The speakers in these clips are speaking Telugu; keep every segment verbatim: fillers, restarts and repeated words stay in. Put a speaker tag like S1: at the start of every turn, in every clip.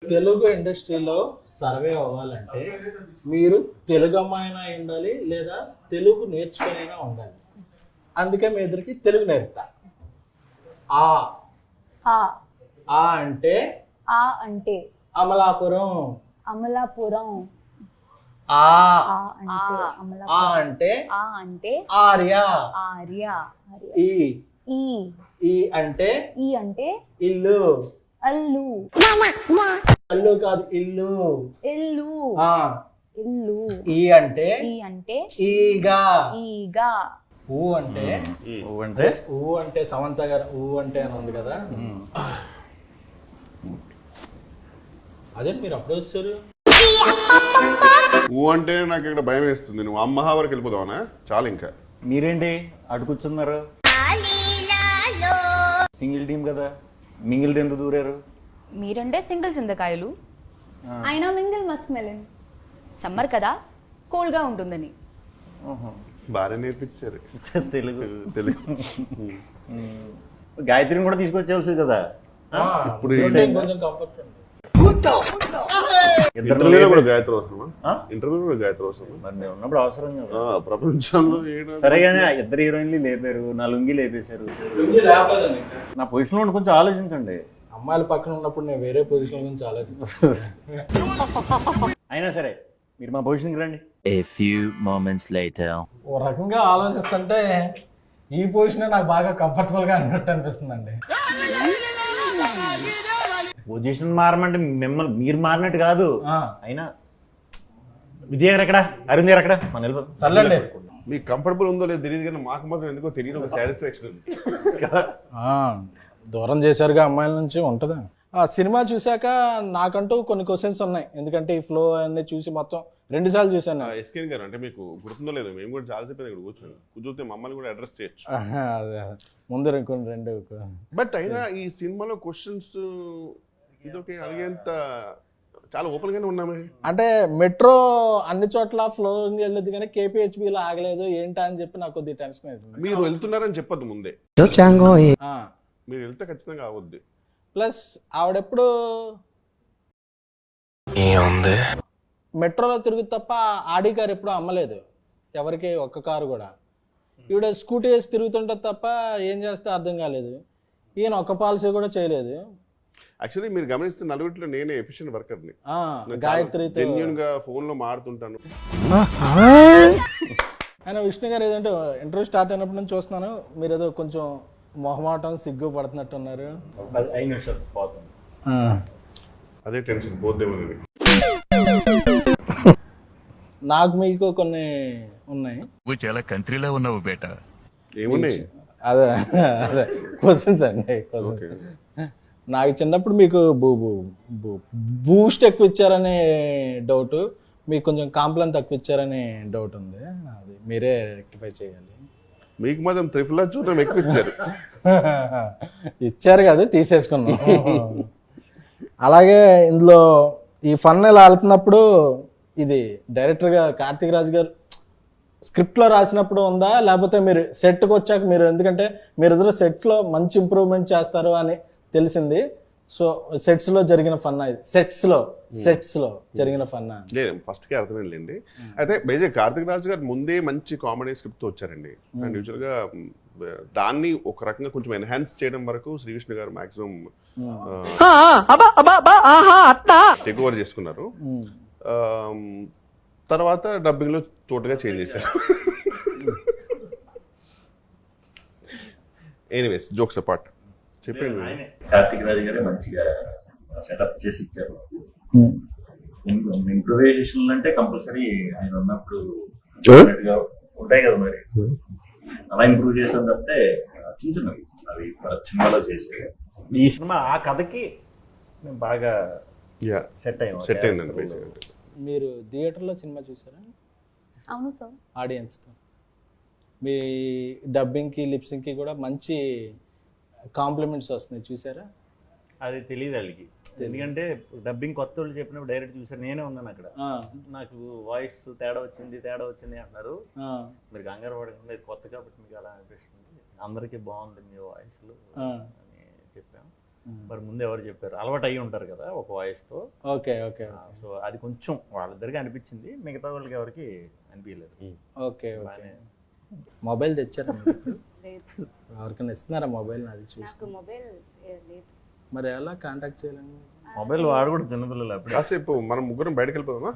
S1: తెలుగు ఇండస్ట్రీలో సర్వే అవ్వాలంటే మీరు తెలుగు అమ్మాయినా ఉండాలి లేదా తెలుగు నేర్చుకునైనా ఉండాలి. అందుకే మీ ఇద్దరికి తెలుగు నేర్పుతా. ఆ
S2: ఆ
S1: ఆ అంటే
S2: ఆ అంటే
S1: అమలాపురం.
S2: అమలాపురం.
S1: ఆ
S2: ఆ అంటే అమలాపురం.
S1: ఆ అంటే
S2: ఆ అంటే
S1: ఆర్య.
S2: ఆర్య.
S1: ఈ
S2: ఈ
S1: ఈ అంటే
S2: ఈ అంటే
S1: ఇల్లు.
S2: అల్లు.
S1: అల్లు కాదు ఇల్లు.
S2: ఇల్లు.
S1: ఆ
S2: ఇల్లు.
S1: ఈ అంటే
S2: ఈ అంటే
S1: ఈగా.
S2: ఈగా.
S1: ఊ అంటే
S3: ఊ అంటే
S1: ఊ అంటే సమంత గారు ఊ అంటే అని ఉంది కదా, అదే మీరు అప్పుడు వచ్చారు.
S4: ఊ అంటే నాకు ఇక్కడ భయం వేస్తుంది. నువ్వు అమ్మహా వరకు వెళ్ళిపోదావనా? చాలు ఇంకా.
S3: మీరేంటి అటు కూర్చున్నారు? సింగిల్ టీం కదా, మింగిల్ ఎందుకు దూరారు?
S5: మీరంటే సింగిల్ చింతకాయలు,
S2: అయినా మింగిల్ మస్క్ మెలన్.
S5: సమ్మర్ కదా కూల్గా ఉంటుందని.
S4: బాగా నేర్పించారు
S3: తెలుగు.
S4: తెలుగు.
S3: గాయత్రిని కూడా తీసుకొచ్చేవలసింది కదా.
S4: ఇప్పుడు
S1: కొంచెం కంఫర్ట్ ఉంది.
S4: ఇంటర్వ్యూలో కూడా గాయత్రి అవసరమా? ఇంటర్వ్యూలో కూడా గాయత్రి అవసరమా?
S3: మరి నేను ఉన్నప్పుడు అవసరం కదా.
S4: ప్రపంచంలో ఏడా
S3: సరే కానీ ఇద్దరు హీరోయిన్లు లేపారు, నా లుంగి లేపేశారు. నా పొజిషన్ లో కొంచెం ఆలోచించండి.
S1: అమ్మాయిల పక్కన ఉన్నప్పుడు నేను వేరే పొజిషన్ గురించి ఆలోచిస్తాను.
S3: అయినా సరే మీరు మా పొజిషన్కి రండి.
S6: A few moments later.
S1: ఓ రకంగా ఆలోచిస్తుంటే ఈ పొజిషన్ నాకు బాగా కంఫర్టబుల్ గా అన్నట్టు అనిపిస్తుందండి.
S3: పొజిషన్ మారమంటే మిమ్మల్ని మీరు మారినట్టు కాదు.
S1: ఆ,
S3: అయినా విజయ్ గారు ఎక్కడ, అరుణ్ గారు ఎక్కడ? మన వెళ్ళిపోతాం.
S1: చల్లండి.
S4: మీకు కంఫర్టబుల్ ఉందో లేదో తెలియదు కానీ మాకు మాత్రం ఎందుకో తెలియదు ఒక సాటిస్ఫాక్షన్ ఉంది కదా.
S1: ఆ, దూరం చేశారుగా అమ్మాయిల నుంచి ఉంటుందా? ఆ సినిమా చూశాక నాకంటూ కొన్ని క్వశ్చన్స్ ఉన్నాయి, ఎందుకంటే ఈ ఫ్లో అన్ని చూసి మొత్తం రెండు సార్లు చూశాను.
S4: ఎస్కేన్ గారు అంటే మీకు గుర్తుందో లేదో, మేము కూడా చాలాసేపు ఇక్కడ కూర్చొని కూర్చొస్తే మమ్మల్ని కూడా అడ్రస్ చేయొచ్చు.
S1: ఆహా, అదే. ముందు కొన్ని రెండు
S4: బట్ అయినా ఈ సినిమాలో క్వశ్చన్స్ ఇదొక అడిగేంత చాలా ఓపెన్ గానే ఉన్నామే.
S1: అంటే మెట్రో అన్ని చోట్ల ఫ్లో వెళ్ళదు కానీ కేపీహెచ్బిలో ఆగలేదు ఏంటా అని చెప్పి నాకు కొద్దిగా టెన్షన్ వేసింది.
S4: మీరు వెళ్తున్నారని చెప్పొద్దు ముందే,
S1: ఆ,
S4: మీరు వెళ్తే ఖచ్చితంగా అవద్దు.
S1: ప్లస్ ఆవిడెప్పుడు మెట్రోలో తిరుగుతు తప్ప ఆడి కారు ఎప్పుడు అమ్మలేదు ఎవరికి, ఒక్క కారు కూడా. ఈవిడ స్కూటీ వేసి తిరుగుతుంటే తప్ప ఏం చేస్తే అర్థం కాలేదు. ఈయన ఒక్క పాలసీ కూడా చేయలేదు.
S4: యాక్చువల్లీ మీరు గమనిస్తే నలుగురిలో నేనే ఎఫిషియెంట్ వర్కర్ని.
S1: గాయత్రితో
S4: జెన్యూన్ గా ఫోన్ లో మాడుతుంటాను.
S1: ఆయన విష్ణు గారు ఏదంటే ఇంటర్వ్యూ స్టార్ట్ అయినప్పటి నుంచి చూస్తున్నాను, మీరు ఏదో కొంచెం మొహమాటం సిగ్గు పడుతున్నట్టున్నారు.
S3: ఐదు నిమిషాలు పోతుంది.
S4: అదే టెన్షన్ పోద్దేమని.
S1: నాకు మీకు కొన్ని ఉన్నాయి.
S7: నువ్వు చాలా కంట్రీలో ఉన్నావు బేట.
S4: ఏమున్నాయి?
S1: అదే అదే క్వశ్చన్స్ అండి, క్వశ్చన్స్. నాకు చిన్నప్పుడు మీకు బూ బూ బూస్ట్ ఎక్కువ ఇచ్చారనే డౌట్, మీకు కొంచెం కాంప్లైన్ తక్కువ ఇచ్చారనే డౌట్ ఉంది. అది మీరే రెక్టిఫై చేయాలి.
S4: మీకు మాత్రం త్రిఫుల్ చూడడం ఎక్కువ ఇచ్చారు.
S1: ఇచ్చారు కదా, తీసేసుకున్నాం. అలాగే ఇందులో ఈ ఫన్ ఇలా వెళ్తున్నప్పుడు ఇది డైరెక్టర్గా కార్తీక్ రాజు గారు స్క్రిప్ట్లో రాసినప్పుడు ఉందా, లేకపోతే మీరు సెట్కి వచ్చాక మీరు, ఎందుకంటే మీరు ఎదురు సెట్లో మంచి ఇంప్రూవ్మెంట్ చేస్తారు అని తెలిసింది. సో సెట్స్ లో జరిగిన ఫన్నా ఇది, సెట్స్ లో సెట్స్ లో జరిగిన ఫన్నా
S4: లేదు, ఫస్ట్ కి అర్థమైందండి. అయితే బేజే కార్తిక్ రాజు గారు ముందే మంచి కామెడీ స్క్రిప్ట్ తో వచ్చారండి. అండ్ యూజువల్ గా దాన్ని ఒక రకంగా కొంచెం ఎన్హాన్స్ చేయడం వరకు శ్రీకృష్ణ గారు మాక్సిమం టేక్ ఓవర్ చేసుకున్నారు. తర్వాత డబ్బింగ్ లో తోటగా చేంజ్ చేశారు. ఎనీవేస్ జోక్స్ అపార్ట్ చెప్పండి.
S8: కార్తిక్ రాజు గారే మంచిగా సెటప్ చేసి ఇచ్చారు. ఇంప్రూవైజేషన్ అంటే కంపల్సరీ ఆయన ఉన్నప్పుడు ఉంటాయి కదా, మరి అలా ఇంప్రూవ్ చేసాం తప్పితే చిన్న చిన్నవి అవి సినిమాలో చేసే.
S3: ఈ సినిమా ఆ కథకి బాగా సెట్ అయ్యాం
S4: సెట్ అయిందండి.
S1: మీరు థియేటర్లో సినిమా చూసారా?
S2: అవును సార్.
S1: ఆడియన్స్తో మీ డబ్బింగ్కి లిప్సింగ్కి కూడా మంచి కాంప్లిమెంట్స్ వస్తున్నాయి, చూసారా?
S3: అది తెలియదు వాళ్ళకి, ఎందుకంటే డబ్బింగ్ కొత్త వాళ్ళు చెప్పినప్పుడు డైరెక్ట్ చూసారు. నేనే ఉన్నాను అక్కడ, నాకు వాయిస్ తేడా వచ్చింది తేడా వచ్చింది అంటున్నారు. మీరు కంగారు పడకుండా ఇది కొత్త కాబట్టి మీకు అలా అనిపిస్తుంది, అందరికీ బాగుంది మీ వాయిస్లు అని చెప్పాము. మరి ముందు ఎవరు చెప్పారు, అలవాటు అయ్యి ఉంటారు కదా ఒక వాయిస్తో.
S1: ఓకే ఓకే
S3: సో అది కొంచెం వాళ్ళిద్దరికి అనిపించింది, మిగతా వాళ్ళకి ఎవరికి అనిపించలేదు.
S1: Okay okay.
S3: బాగానే
S1: మొబైల్ తెచ్చారా మీరు?
S2: లేదు,
S1: ఎవరికైనా ఇస్తున్నారా మొబైల్? అది చూసి
S2: నాకు మొబైల్ లేదు.
S1: మరి ఎలా కాంటాక్ట్ చేయాలండి?
S3: మొబైల్ వాడు కూడా చిన్నపిల్లలు అప్పుడు.
S4: కాసేపు మనం ముగ్గురం బయటకు వెళ్ళిపోదామా?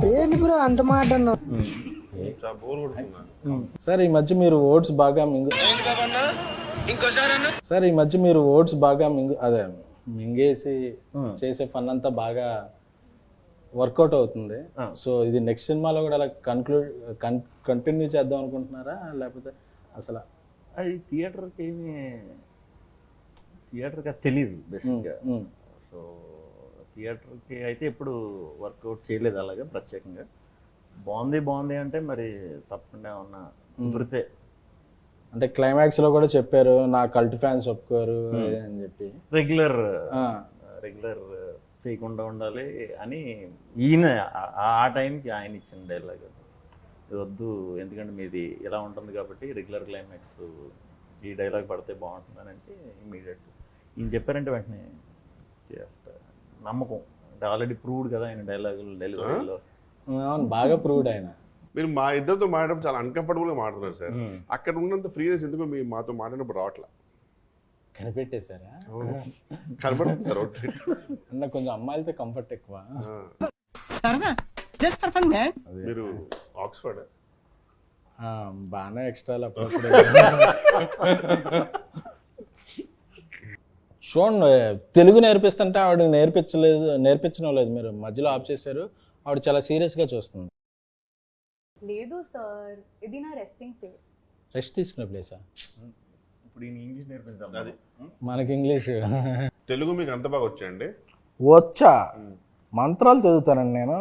S4: చాలా బోర్ కొడుతున్నా.
S1: సార్ ఈ మధ్య మీరు ఓట్స్ బాగా మింగు సార్ ఈ మధ్య మీరు ఓట్స్ బాగా మింగు అదే మింగేసి చేసే ఫన్ అంతా బాగా వర్కౌట్ అవుతుంది. సో ఇది నెక్స్ట్ సినిమాలో కూడా అలా కన్క్లూడ్ కంటిన్యూ చేద్దాం అనుకుంటున్నారా, లేకపోతే అసలు
S3: అది థియేటర్కి ఏమి థియేటర్కి అది తెలియదు బేసిక్గా. సో థియేటర్కి అయితే ఎప్పుడు వర్కౌట్ చేయలేదు అలాగే ప్రత్యేకంగా. బాగుంది బాగుంది అంటే మరి తప్పకుండా ఉన్న కుదిరితే.
S1: అంటే క్లైమాక్స్ లో కూడా చెప్పారు నా కల్ట్ ఫ్యాన్స్ ఒప్పుకోరు అని చెప్పి.
S3: రెగ్యులర్ రెగ్యులర్ చేయకుండా ఉండాలి అని ఈయన ఆ- ఆ టైంకి ఆయన ఇచ్చిన డైలాగ్ ఇది వద్దు, ఎందుకంటే మీది ఇలా ఉంటుంది కాబట్టి రెగ్యులర్ క్లైమాక్స్ ఈ డైలాగ్ పడితే బాగుంటుందని అంటే ఇమీడియట్ ఈయన చెప్పారంటే వెంటనే చేస్తా. నమ్మకం అంటే ఆల్రెడీ ప్రూవ్డ్ కదా ఆయన డైలాగులు డెలివరీలో.
S1: అవును, బాగా ప్రూవ్డ్ ఆయన.
S4: మీరు మా ఇద్దరితో మాట్లాడడం చాలా అన్కంఫర్టబుల్ గా మాట్లాడుతున్నారు సార్. అక్కడ ఉన్నంత ఫ్రీనెస్ ఎందుకు మీ మాతో మాట్లాడినప్పుడు రావట్లా?
S1: కనిపెట్టేశారా?
S4: కనపడుతుంది సార్.
S1: అన్న కొంచెం అమ్మాయిలతో కంఫర్ట్ ఎక్కువ.
S4: మీరు ఆక్స్ఫర్డ్
S1: ఆ, బాగానే ఎక్స్ట్రాలు అప్పుడప్పుడు. చూడండి, తెలుగు నేర్పిస్తుంటే ఆవిడ నేర్పించలేదు నేర్పించడం లేదు, మీరు మధ్యలో ఆఫ్ చేశారు. ఆవిడ చాలా సీరియస్గా చూస్తుంది.
S2: లేదు సార్, ఇది నా రెస్టింగ్ ప్లేస్.
S1: రెస్ట్ తీసుకునే ప్లేసా?
S3: ఇప్పుడు ఈయన ఇంగ్లీష్ నేర్పించాం అది.
S1: మనకి ఇంగ్లీష్
S4: తెలుగు మీకు అంత బాగా వచ్చాయండి?
S1: వచ్చా? మంత్రాలు చదువుతానండి నేను,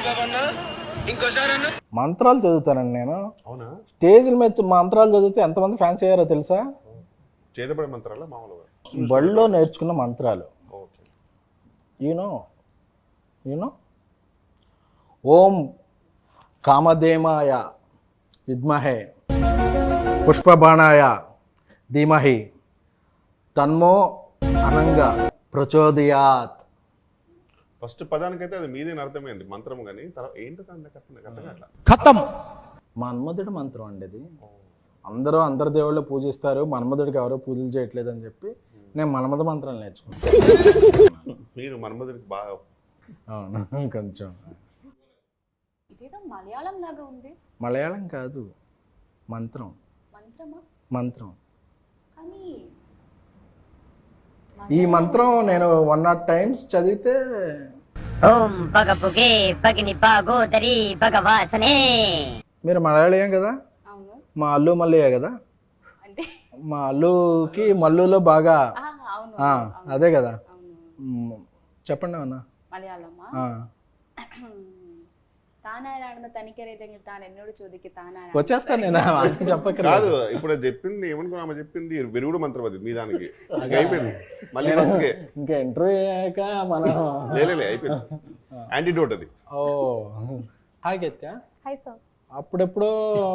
S1: మంత్రాలు చదువుతానండి నేను.
S4: అవునా?
S1: స్టేజ్ల మీద మంత్రాలు చదివితే ఎంతమంది ఫ్యాన్స్ అయ్యారో తెలుసా?
S4: చేతపడే మంత్రాలా మామూలుగా?
S1: బడిలో నేర్చుకున్న మంత్రాలు.
S4: ఓకే.
S1: యూనో యూనో ఓం కామధేమాయ విద్మహే పుష్పబాణాయ ధీమహి తన్మో అనంగా ప్రచోదయాత్.
S4: ఫస్ట్ పదానికైతే అది మీదేని అర్థమైంది మంత్రం, కానీ తర్వాత ఏంటో అట్లా
S1: ఖతం. మన్మధుడి మంత్రం అండి అది. అందరూ అందరి దేవుళ్ళు పూజిస్తారు, మన్మధుడికి ఎవరో పూజలు చేయట్లేదు అని చెప్పి నేను మన్మధ మంత్రాలు నేర్చుకున్నాను.
S4: మీరు మన్మధుడికి బాగా.
S1: అవును, కొంచెం.
S2: ఇదేదో మలయాళం లాగా ఉంది.
S1: మలయాళం కాదు, మంత్రం.
S2: మంత్రమా?
S1: మంత్రం.
S2: కానీ
S1: ఈ మంత్రం నేను వన్ నాట్ టైమ్స్ చదివితే
S9: ఓం పగపుగే పగిని పాగోదరి భగవాసనే.
S1: మీరు మలయాళీయం కదా,
S2: అవును.
S1: మా అల్లు మల్లయ్య కదా,
S2: అంటే
S1: మా అల్లుకి మల్లులో బాగా
S2: ఆ, అవును
S1: ఆ, అదే కదా.
S2: అవును.
S1: మ్, చెప్పండి అన్న.
S2: മലയാളമാ? താനാരാണെന്ന് തനിക്കറിയില്ലെങ്കിൽ താൻ എന്നോട് ചോദിക്ക്. താനാരാണ്?
S1: వచ్చేస్తాను నేను, అది చెప్పకరా.
S4: కాదు. ఇప్పుడు అది చెప్పింది ఏమనుకున్నా, ఆమె చెప్పింది విరుగుడు మంత్రం అది మీ దానికి. ఇంకా అయిపోయింది మళ్ళీ ఫస్ట్కే.
S1: ఇంకా ఇంటర్వ్యూ అయ్యాక మనం
S4: లేలే అయిపోయింది. యాంటీడోట్ అది.
S1: Oh hi Geethika.
S2: Hi sir.
S1: అప్పుడెప్పుడు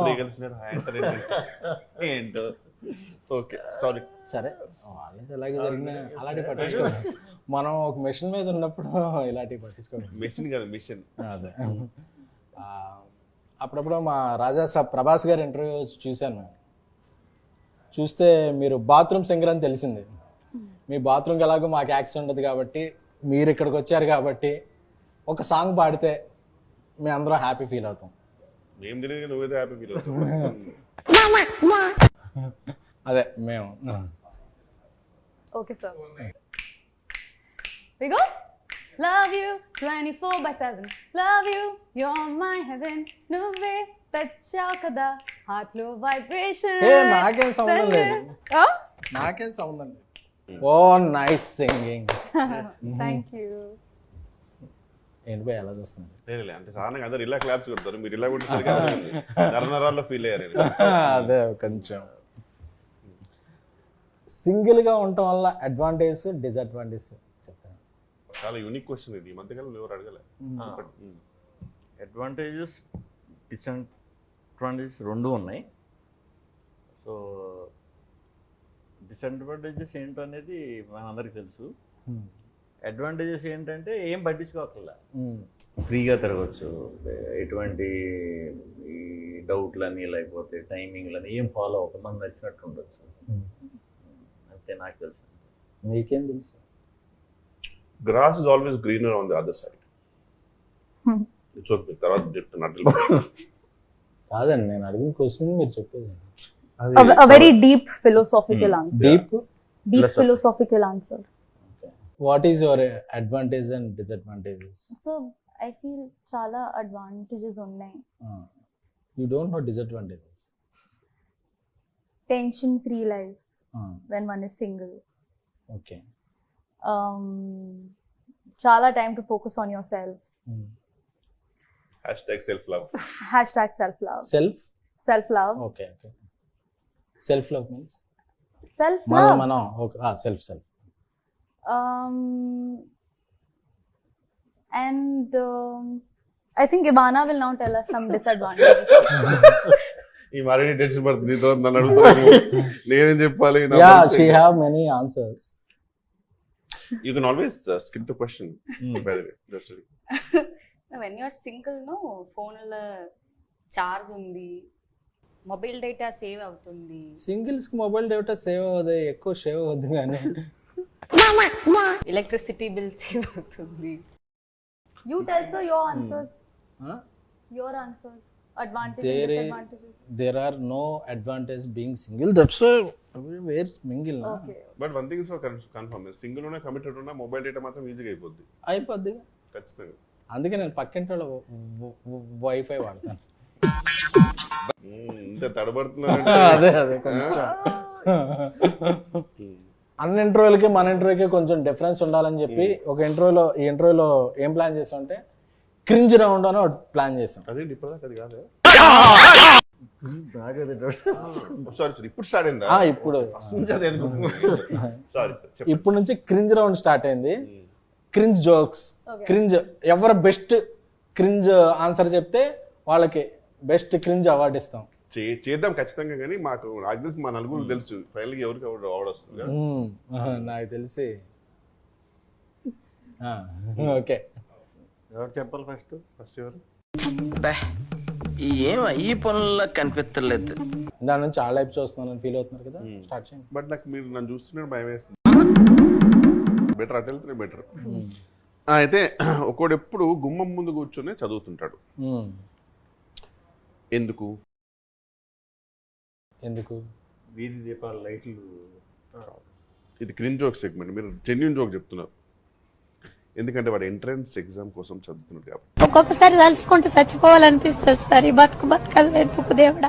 S3: ఏంటో.
S4: Okay sorry.
S1: సరే, వాళ్ళది ఎలాగే జరిగినా అలాంటివి పట్టించుకోండి. మనం ఒక మిషన్ మీద ఉన్నప్పుడు ఇలాంటివి పట్టించుకోండి.
S4: మిషన్ కాదు మిషన్.
S1: అదే. ఆ, అప్పుడప్పుడు మా రాజా సాబ్ ప్రభాస్ గారి ఇంటర్వ్యూ చూశాను నేను. చూస్తే మీరు బాత్రూమ్ సింగర్ అని తెలిసింది. మీ బాత్రూమ్కి ఎలాగో మాకు యాక్సెస్ ఉండదు కాబట్టి, మీరు ఇక్కడికి వచ్చారు కాబట్టి ఒక సాంగ్ పాడితే మేము అందరం హ్యాపీ ఫీల్ అవుతాం.
S4: మేము తెలియదు, నువ్వేదో హ్యాపీ ఫీల్ అవుతావు.
S1: అదే మేము.
S2: Okay sir. We go. Love you twenty-four by seven. Love you, you're my heaven. నువ్వే తెచ్చావు కదా హార్ట్ లో వైబ్రేషన్.
S1: ఏ నాకేం సంబంధం లేదు, నాకేం సంబంధం లేదు. Oh nice singing.
S2: Thank you.
S1: ఏంటి పోయి ఎలా చూస్తున్నారు?
S4: లేలే అంటే సాధారణంగా అందరు ఇలా క్లాప్స్ కొడతారు, మీరు ఇలా కొట్టేసరికి నరనరాల్లో ఫీల్ అయ్యారు.
S1: అదే కొంచెం సింగిల్ గా ఉండటం వల్ల అడ్వాంటేజ్ డిసడ్వాంటేజ్ చెప్తాను.
S4: చాలా యూనిక్ క్వశ్చన్ ఇది, ఈ మధ్యకాలంలో ఎవరు అడగలే.
S3: అడ్వాంటేజెస్ డిసడ్వాంటేజెస్ రెండు ఉన్నాయి. సో డిసడ్వాంటేజెస్ ఏంటో అనేది మనందరికీ తెలుసు. అడ్వాంటేజెస్ ఏంటంటే ఏం పట్టించుకోకల్లా, ఫ్రీగా తిరగచ్చు, ఎటువంటి ఈ డౌట్లని లేకపోతే టైమింగ్లని ఏం ఫాలో అవ్వక మనకు నచ్చినట్టు ఉండొచ్చు. అంతే నాకు తెలుసు.
S1: మీకేం తెలుసు?
S4: Grass is always greener on the other side. It's okay. తర్వాత చెప్తున్నట్టు
S1: కాదండి, నేను అడిగిన క్వశ్చన్ మీరు చెప్పేది.
S2: A very deep philosophical answer.
S1: Deep.
S2: Deep philosophical answer.
S1: What is your advantage and disadvantages?
S2: So I feel చాలా advantages ఉన్నాయి.
S1: You don't know disadvantages.
S2: Tension free life when one is single.
S1: ఓకే.
S2: Um, చాలా time to focus on yourself.
S4: Hashtag self love.
S2: Hashtag self love.
S1: Self.
S2: Self love.
S1: ఓకే ఓకే. సెల్ఫ్ లవ్ మీన్స్
S2: Self
S1: మనం
S2: love.
S1: మనం ఓకే. Self self.
S2: Um, and um, I think Ivana will now tell us some disadvantages.
S4: ఈ మరీ టెన్షన్ పడుతుంది. నీతో నన్ను అడుగుతాను, నేనేం చెప్పాలి?
S1: Yeah, she have many answers.
S4: You can always skip the question by the way. Just
S5: when you're single no ఫోన్లో చార్జ్ ఉంది, మొబైల్ డేటా సేవ్ అవుతుంది.
S1: సింగిల్స్ కి మొబైల్ డేటా సేవ్ అవ్వదు, ఎక్కువ సేవ్ అవ్వద్దు కానీ
S5: ఎలక్ట్రిసిటీ బిల్ సేవ్ అవుతుంది.
S2: You tell sir your answers.
S1: Huh?
S2: Your answers. Advantages,
S1: There is-
S2: disadvantages.
S1: there are no advantage being single. That's why where's mingle na?
S2: Okay.
S4: But one thing is confirm, single ఉన్నా కమిటెడ్ ఉన్నా మొబైల్ డేటా మాత్రం ఈజీగా అయిపోద్ది
S1: అయిపోద్ది.
S4: ఖచ్చితంగా.
S1: అందుకే నేను పక్కింటి వాళ్ళ వైఫై వాడతాను.
S4: మ్మ్, ఇంత తడబడుతున్నా
S1: అదే అదే కొంచెం అన్ని ఇంటర్వ్యూలకి మన ఇంటర్వ్యూకి కొంచెం డిఫరెన్స్ ఉండాలని చెప్పి ఒక ఇంటర్వ్యూలో ఈ ఇంటర్వ్యూలో ఏం ప్లాన్ చేసాం అంటే క్రింజ్ రౌండ్ అని ఒకటి ప్లాన్ చేసాం.
S4: అదేంటి ఇప్పటిదాకా అది కాదు.
S3: నాకు అది doubt.
S4: సారీ సార్, ఇప్పుడు స్టార్ట్ అయిందా?
S1: ఆ, ఇప్పుడు
S4: సారీ సార్.
S1: ఇప్పుడు నుంచి క్రింజ్ రౌండ్ స్టార్ట్ అయింది. క్రింజ్ జోక్స్, క్రింజ్ ఎవరు బెస్ట్ క్రింజ్ ఆన్సర్ చెప్తే వాళ్ళకి బెస్ట్ క్రింజ్ అవార్డు ఇస్తాం.
S4: చే- చేద్దాం ఖచ్చితంగా, కానీ మాకు నాకు తెలిసి మా నలుగురు తెలుసు ఫైనల్గా ఎవరికి ఎవరు అవార్డు వస్తుంది కదా.
S1: మ్మ్. ఆహా, నాకు తెలిసి ఓకే.
S3: ఎవరు చెప్పాలి ఫస్ట్?
S4: ఫస్ట్ ఎవరు?
S10: ఏం ఈ పనుల్లో కనిపించలేదు.
S1: దాని నుంచి ఆ లైఫ్ చూస్తున్నాను ఫీల్ అవుతున్నారు కదా, స్టార్ట్ చేయండి.
S4: బట్ నాకు మీరు నన్ను చూస్తున్నారు భయం వేస్తుంది. బెటర్ అటు వెళ్తేనే బెటర్. అయితే ఒకడు ఎప్పుడు గుమ్మం ముందు కూర్చొని చదువుతుంటాడు.
S1: మ్మ్.
S4: ఎందుకు?
S1: ఎందుకు?
S3: వీధి దీపాల లైట్లు.
S4: ఇది క్రిన్ జోక్ సెగ్మెంట్, మీరు జెన్యున్ జోక్ చెప్తున్నారు. ఎందుకంటే వాడు ఎంట్రన్స్ ఎగ్జామ్ కోసం చదువుతున్నాడు కాబట్టి.
S9: ఒక్కొక్కసారి తలుచుకుంటూ చచ్చిపోవాలనిపిస్తుంది సార్. ఈ బతుకు బతకలు వెతుకు దేవుడా.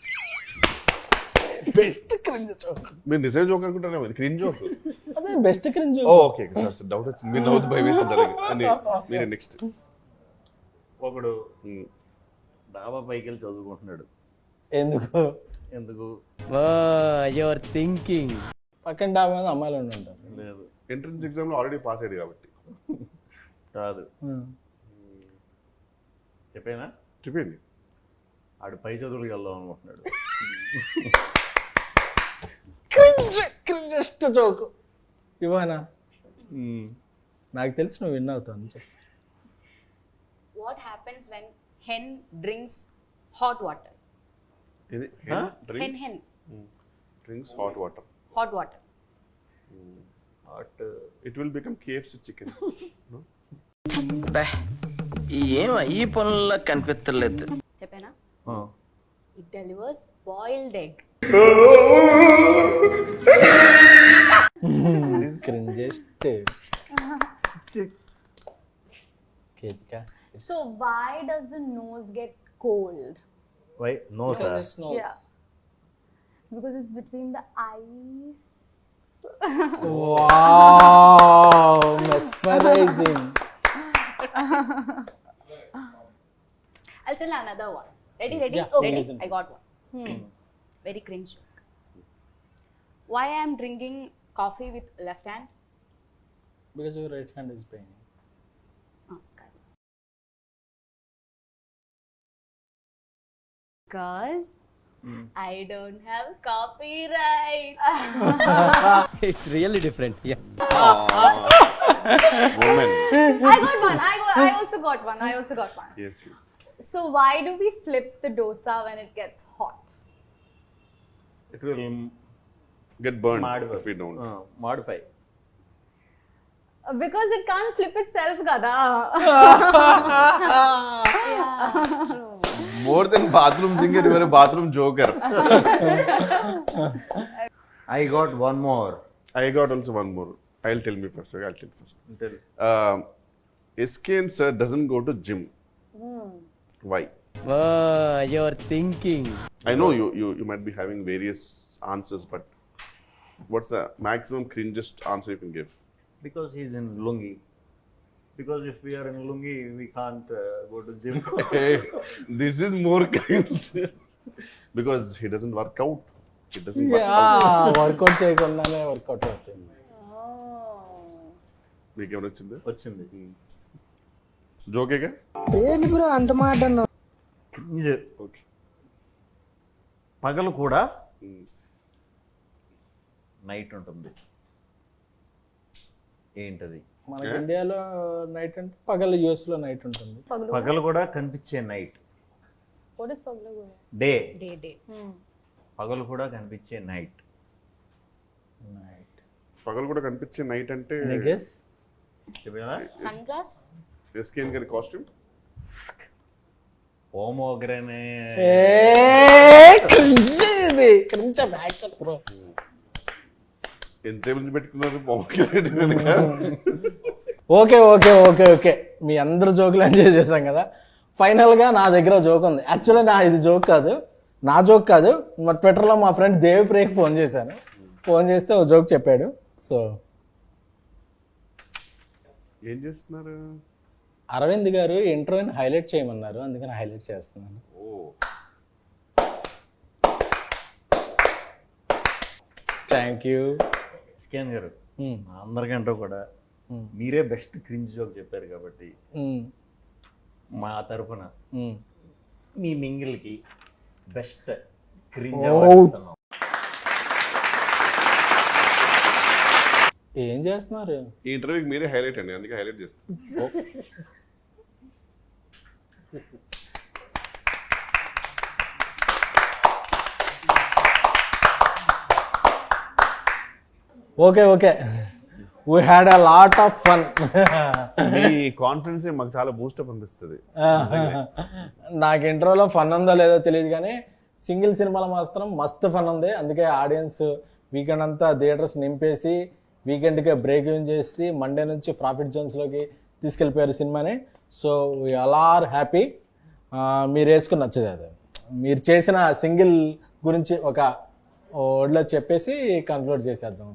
S1: Best cringe joke.
S4: మీరు నిజం జోక్ అనుకుంటారా? క్రిన్ జోక్
S1: అదే best cringe.
S4: Okay sir sir doubt వచ్చింది. మీరు నవ్వుతూ భయం వేసింది. మీరు నెక్స్ట్.
S3: ఒకడు డాబా పైకి వెళ్ళి చదువుకుంటున్నాడు.
S1: ఎందుకు?
S3: ఎందుకు?
S10: Your thinking.
S1: పక్కన డాబా మీద అమ్మాయిలు ఉండి ఉంటారు.
S3: లేదు,
S4: ఎంట్రన్స్ ఎగ్జామ్ లో ఆల్రెడీ పాస్ అయ్యాడు కాబట్టి.
S3: కాదు. చెప్పేనా?
S4: చెప్పండి.
S3: ఆడు పై చదువులకు వెళ్దాం అనుకుంటున్నాడు.
S1: క్రింజ్ క్రింజెస్ట్ జోక్ ఇవానా? నాకు తెలిసి నువ్వు విన్ అవుతావు అని చెప్పి.
S5: What happens when hen drinks hot water?
S4: ఇది
S5: hen
S4: drinks
S5: hen
S4: drinks hot water.
S5: Hot water.
S3: Hot
S4: it will become KFC chicken.
S10: ఏం ఈ పనుల్లో కనిపించలేదు.
S5: చెప్పేనా? It delivers boiled egg.
S1: Cringiest.
S2: So why does the nose get cold?
S3: Why? No sir.
S2: Yeah. Because it's between the eyes.
S1: Wow, mesmerizing.
S5: I'll tell another one. Ready, ready?
S1: Yeah,
S5: Ready?
S1: listen.
S5: I got one. Hmm. Very cringe joke. Why I am drinking coffee with left hand?
S1: Because your right hand is paining.
S5: Oh, correct. Because I don't have copyright.
S10: It's really different.
S4: Woman.
S2: I got one. I got. I also got one. I also got one.
S4: Yes, yes.
S2: So why do we flip the dosa when it gets hot?
S3: It will
S4: Get burned
S3: modify
S4: if we don't.
S3: Modify
S2: Uh, Because it can't flip itself, gada.
S4: More than bathroom singer, you are a bathroom joker.
S3: I got one more.
S4: I got also one more. I'll tell me first. Okay, I'll tell you first. Uh, S K N sir doesn't go to gym. Why?
S10: Your thinking.
S4: I know you, you you might be having various answers, but what's the maximum cringest answer you can give?
S3: Because he's in lungi. Because if we are in lungi, we can't uh, go to gym.
S4: Hey, this is more cringe. Because he doesn't work out. He doesn't work out.
S1: Workout చేయకుండానే వర్కౌట్ అవుతుంది.
S4: మీకు ఏమైనా వచ్చిందా?
S3: వచ్చింది
S4: జోకేగా?
S3: క్రింజ్. ఓకే. పగలు కూడా నైట్ ఉంటుంది. ఏంటది?
S1: మనకి ఇండియాలో నైట్ అంటే పగలు, యూఎస్ లో నైట్ ఉంటుంది.
S3: పగలు కూడా కనిపించే night.
S2: What is paglu?
S3: Day.
S5: Day day
S3: పగలు కూడా కనిపించే నైట్.
S1: నైట్.
S4: పగలు కూడా కనిపించే నైట్ అంటే
S1: guess.
S5: Sun glass.
S4: S K N గారి కాస్ట్యూమ్.
S3: పోమోగ్రనే.
S1: ఇది కొంచెం యాక్షన్ బ్రో.
S4: ఎంత మంది పెట్టుకున్నారు పొమగ్రనేట్ కనుక?
S1: ఓకే ఓకే ఓకే ఓకే మీ అందరు జోకులు ఎంజాయ్ చేశాం కదా. ఫైనల్గా నా దగ్గర జోక్ ఉంది. యాక్చువల్లీ నా ఇది జోక్ కాదు, నా జోక్ కాదు. మా ట్విట్టర్లో మా ఫ్రెండ్ దేవిప్రియకి ఫోన్ చేశాను. ఫోన్ చేస్తే ఓ జోక్ చెప్పాడు. సో
S4: ఏం చేస్తున్నారు?
S1: అరవింద్ గారు ఇంటర్వ్యూని హైలైట్ చేయమన్నారు, అందుకని హైలైట్ చేస్తున్నాను.
S4: ఓ
S1: థ్యాంక్ యూ.
S3: స్కాన్ గారు, అందరికంటే కూడా మీరే బెస్ట్ క్రింజ్ జోక్ చెప్పారు కాబట్టి మా తరఫున మీ మింగిల్కి బెస్ట్ క్రింజ్ అవార్డు.
S1: ఏం చేస్తున్నారు?
S4: ఈ ఇంటర్వ్యూకి మీరే హైలైట్ అండి, అందుకే హైలైట్ చేస్తాను.
S1: Okay okay we had a lot of fun.
S4: మీ కాన్ఫిడెన్స్ మాకు చాలా బూస్టప్ అనిపిస్తుంది.
S1: నాకు ఇంట్రోలో ఫన్ ఉందో లేదో తెలియదు కానీ సింగిల్ సినిమాలో మాత్రం మస్తు ఫన్ ఉంది. అందుకే ఆడియన్స్ వీకెండ్ అంతా థియేటర్స్ నింపేసి వీకెండ్కే బ్రేక్ ఇన్ చేసి మండే నుంచి ప్రాఫిట్ జోన్స్లోకి తీసుకెళ్ళిపోయారు సినిమాని. So we all are happy. మీరు వేసుకుని నచ్చదు అది. మీరు చేసిన సింగిల్ గురించి ఒక వర్డ్లో చెప్పేసి కన్క్లూడ్ చేసేద్దాం.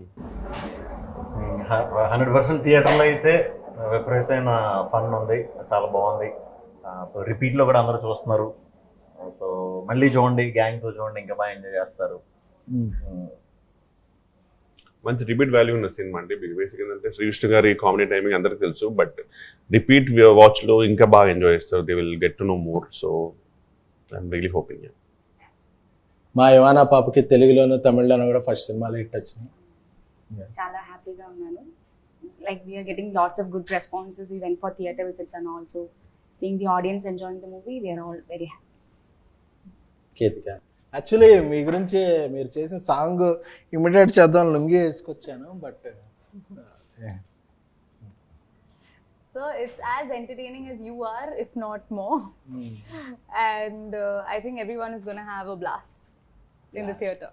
S3: హండ్రెడ్ పర్సెంట్ థియేటర్లో అయితే విపరీతమైన ఫన్ ఉంది, చాలా బాగుంది. సో రిపీట్లో కూడా అందరూ చూస్తున్నారు. సో మళ్ళీ చూడండి, గ్యాంగ్తో చూడండి, ఇంకా బాగా ఎంజాయ్ చేస్తారు.
S4: మంచి రిపీట్ వాల్యూ ఉన్న సినిమా అండి. బేసిక్ ఏంటంటే శ్రీకృష్ణ గారి కామెడీ టైమింగ్ అందరికీ తెలుసు, బట్ రిపీట్ వాచ్లో ఇంకా బాగా ఎంజాయ్ చేస్తారు. They will get to know more. So I'm really hoping.
S1: మా యువానా పాపకి తెలుగులోను తమిళ్లోను కూడా ఫస్ట్ సినిమాలు హిట్ వచ్చినాయి.
S5: చాలా హ్యాపీగా ఉన్నాను. Like we're getting lots of good responses. We went for theatre visits and also seeing the audience enjoying the movie. We're all very happy.
S1: Ketika, actually మీ గురించి మీరు చేసిన సాంగ్ ఇమిటేట్ చేద్దాం లుంగి వేసుకొచ్చాను, but
S2: So it's as entertaining as you are, if not more. And uh, I think everyone is going to have a blast in the theatre.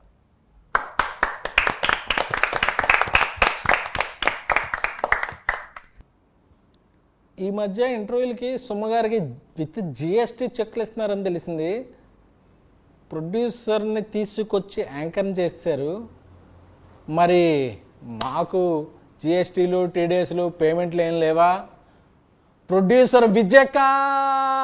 S1: ఈ మధ్య ఇంటర్వ్యూలకి సుమ్మగారికి విత్ జిఎస్టీ చెక్లు ఇస్తున్నారని తెలిసింది. ప్రొడ్యూసర్ని తీసుకొచ్చి యాంకర్ని చేశారు. మరి మాకు జిఎస్టీలు టీడీఎస్లు పేమెంట్లు ఏం లేవా? ప్రొడ్యూసర్ విజయకాంత్